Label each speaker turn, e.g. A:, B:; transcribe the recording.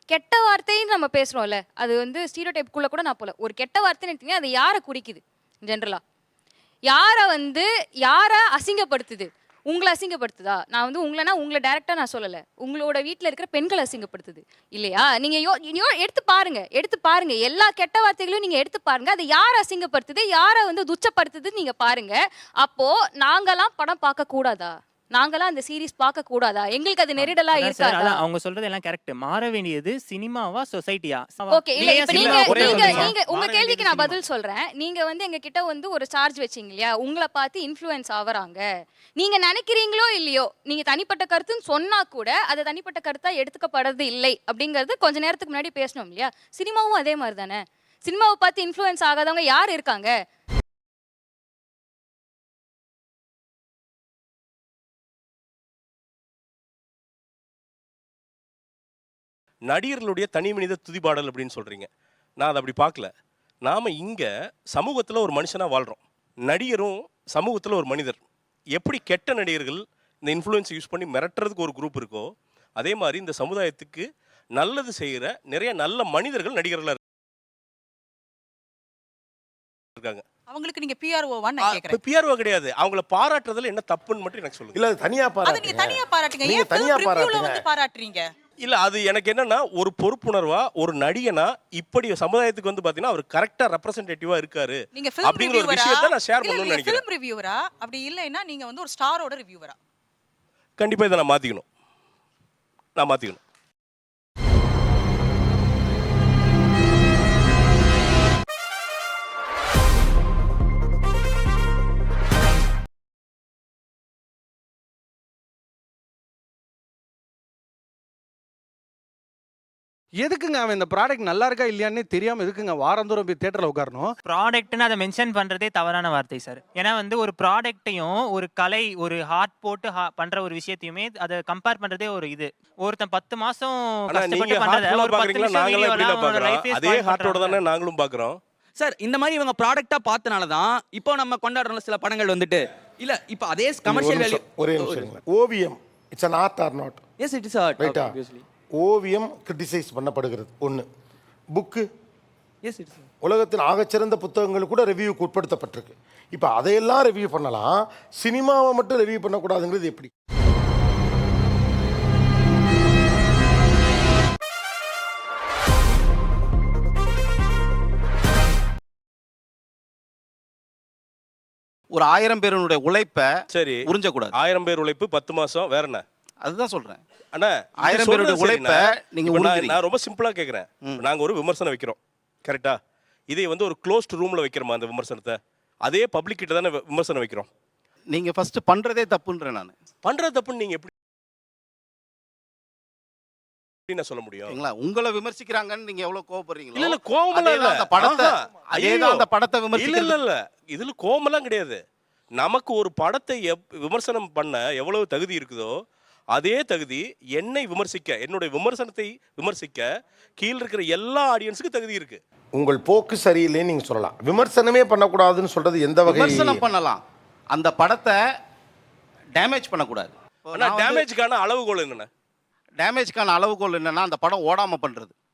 A: கெட்ட வார்த்தைன்னு நம்ம பேசுறோம்ல, அது வந்து ஸ்டீரியோடைப்க்குள்ள கூட நான் போல. ஒரு கெட்ட வார்த்தைன்னு எடுத்தீங்கன்னா அது யாரை குறிக்குது ஜென்ரலா? யாரை அசிங்கப்படுத்துது? உங்களை அசிங்கப்படுத்துதா? நான் வந்து உங்களை டைரக்டா நான் சொல்லல. உங்களோட வீட்ல இருக்கிற பெண்களை அசிங்கப்படுத்துது இல்லையா? நீங்க எடுத்து பாருங்க. எல்லா கெட்ட வார்த்தைகளையும் நீங்க எடுத்து பாருங்க. அது யாரை அசிங்கப்படுத்துது, யாரை வந்து துச்சப்படுத்துதுன்னு நீங்க பாருங்க. அப்போ நாங்கெல்லாம் படம் பார்க்க கூடாதா? நாங்கெல்லாம் அந்த சீரிஸ் பார்க்க கூடாதா? எங்களுக்கு அது நெருடலா இருக்காதா?
B: அவங்க சொல்றது எல்லாம் கரெக்ட். மாற வேண்டியது சினிமாவா சொசைட்டியா?
A: ஓகே, இல்ல இப்ப நீங்க உங்க கேள்விக்கு நான் பதில் சொல்றேன். நீங்க வந்து எங்க கிட்ட வந்து ஒரு சார்ஜ் வச்சீங்க இல்லையா? உங்களை பார்த்து இன்ஃப்ளூயன்ஸ் ஆவறாங்க. நீங்க நினைக்கிறீங்களோ இல்லையோ, நீங்க தனிப்பட்ட கருத்துன்னு சொன்னா கூட அது தனிப்பட்ட கருத்தா எடுத்துக்கப்படுறது இல்லை அப்படிங்கிறது கொஞ்ச நேரத்துக்கு முன்னாடி பேசணும் இல்லையா? சினிமாவும் அதே மாதிரி தானே. சினிமாவை பார்த்து இன்ஃப்ளூயன்ஸ் ஆகாதவங்க யார் இருக்காங்க?
C: நடிகர்களுடைய தனி மனித துதிபாடல் அப்படின்னு சொல்கிறீங்க. நான் அதை அப்படி பார்க்கல. நாம் இங்கே சமூகத்தில் ஒரு மனுஷனாக வாழ்கிறோம். நடிகரும் சமூகத்தில் ஒரு மனிதர். எப்படி கெட்ட நடிகர்கள் இந்த இன்ஃப்ளூயன்ஸ் யூஸ் பண்ணி மிரட்டுறதுக்கு ஒரு குரூப் இருக்கோ, அதே மாதிரி இந்த சமுதாயத்துக்கு நல்லது செய்கிற நிறைய நல்ல மனிதர்கள் நடிகர்களாக இருக்காங்க.
D: அவங்களுக்கு நீங்க பிஆர்ஓவான்னு நான் கேக்குறேன்.
C: பிஆர்ஓ கிடையாது. அவங்கள பாராட்டுறதுல என்ன தப்புன்னு மட்டும் எனக்கு சொல்லுங்க.
E: இல்ல தனியா
D: அது நீங்க தனியா பாராட்டுங்க. ஏன் தனியா பாராட்டுறீங்க?
C: இல்ல அது எனக்கு என்னன்னா, ஒரு பொறுப்புணர்வா ஒரு நடிகனா இப்படி சமுதாயத்துக்கு வந்து பாத்தீங்கன்னா அவர் கரெக்டா ரெப்ரசன்டேட்டிவா இருக்காரு அப்படிங்கிற ஒரு விஷயத்தை நான் ஷேர் பண்ணணும்னு நினைக்கிறேன்.
D: ஃபிலிம் ரிவ்யூவரா அப்படி இல்லைன்னா நீங்க வந்து ஒரு ஸ்டாரோட ரிவ்யூவரா?
C: கண்டிப்பா இதை நான் மாத்திக்கணும்.
F: எதுக்குங்க அவன் இந்த ப்ராடக்ட் நல்லா இருக்கா இல்லையான்னு தெரியாம எதுக்குங்க வாரந்தோறும் போய் தியேட்டர்ல உட்காரணும்?
B: ப்ராடக்ட்னு அதை மென்ஷன் பண்றதே தவறான வார்த்தை சார். ஏன்னா வந்து ஒரு ப்ராடக்ட்டையும் ஒரு கலை, ஒரு ஹார்ட் போட்டு பண்ற ஒரு விஷயத்தையுமே அதை கம்பேர் பண்றதே ஒரு இது. ஒருத்தன் 10 மாசம் கஷ்டப்பட்டு பண்றத ஒரு 10 நிமிஷம் வீடியோல
C: அதே ஹார்ட்டோட தானே நாங்களும் பாக்குறோம்
G: சார். இந்த மாதிரி இவங்க ப்ராடக்ட்டா பார்த்தனால தான் இப்போ நம்ம கொண்டாடுற சில படங்கள் வந்துட்டு இல்ல இப்போ அதே கமர்ஷியல் வேல்யூ.
E: ஒரே நிமிஷம். ஓவியம் it's an art or not?
G: Yes it is art obviously.
E: ஓவியம் கிரிட்டிசைஸ் பண்ணப்படுகிறது ஒன்று. புக்கு
G: எஸ் இட்ஸ்
E: உலகத்தின் ஆகச்சிறந்த புத்தகங்கள் கூட ரிவ்யூக்கு உட்படுத்தப்பட்டிருக்கு. இப்போ அதையெல்லாம் ரிவ்யூ பண்ணலாம், சினிமாவை மட்டும் ரிவ்யூ பண்ணக்கூடாதுங்கிறது எப்படி?
H: ஒரு 1000 பேருடைய உழைப்பை
C: சரி
H: உறிஞ்சக்கூடாது.
C: 1000 பேர் உழைப்பு 10 மாசம் வேற என்ன?
H: அதுதான் சொல்றேன்.
C: அண்ணா
H: 1000 பேருடைய உழைப்பை நீங்க
C: நான் ரொம்ப சிம்பிளா கேக்குறேன். நாங்க ஒரு விமர்சனம் வைக்கிறோம், கரெக்டா? இதை வந்து ஒரு க்ளோஸ்ட் ரூம்ல வைக்கிறோமா அந்த விமர்சனத்தை? அதே பப்ளிக் கிட்ட தானே விமர்சனம் வைக்கிறோம்.
H: நீங்க ஃபர்ஸ்ட் பண்றதே தப்புன்றேன். நான் பண்றது
C: தப்புன்னு நீங்க எப்படி சொல்ல முடியும்?
H: உங்களை விமர்சிக்கிறாங்கன்னு நீங்க எவ்வளவு கோவப்படுறீங்களோ?
C: இல்ல கோவமெல்லாம் இல்ல.
H: அந்த படத்தை அந்த படத்தை விமர்சிக்கிறது
C: இல்ல இதுல கோவமெல்லாம் கிடையாது. நமக்கு ஒரு படத்தை விமர்சனம் பண்ண எவ்வளவு தகுதி இருக்குதோ அதே தகுதி என்னை விமர்சிக்க, என்னுடைய விமர்சனத்தை விமர்சிக்க கீழ இருக்கிற எல்லா ஆடியன்ஸுக்கு தகுதி இருக்கு.
E: உங்கள் போக்கு சரியில்லைன்னு நீங்க சொல்லலாம். விமர்சனமே பண்ணக்கூடாதுன்னு சொல்றது எந்த வகை?
H: விமர்சனம் பண்ணலாம், அந்த படத்தை டேமேஜ் பண்ணக்கூடாது.
C: டேமேஜ்க்கான அளவுகோல் என்னன்னா?
H: டேமேஜ்க்கான அளவுகோல் என்னன்னா அந்த படம் ஓடாம பண்றது.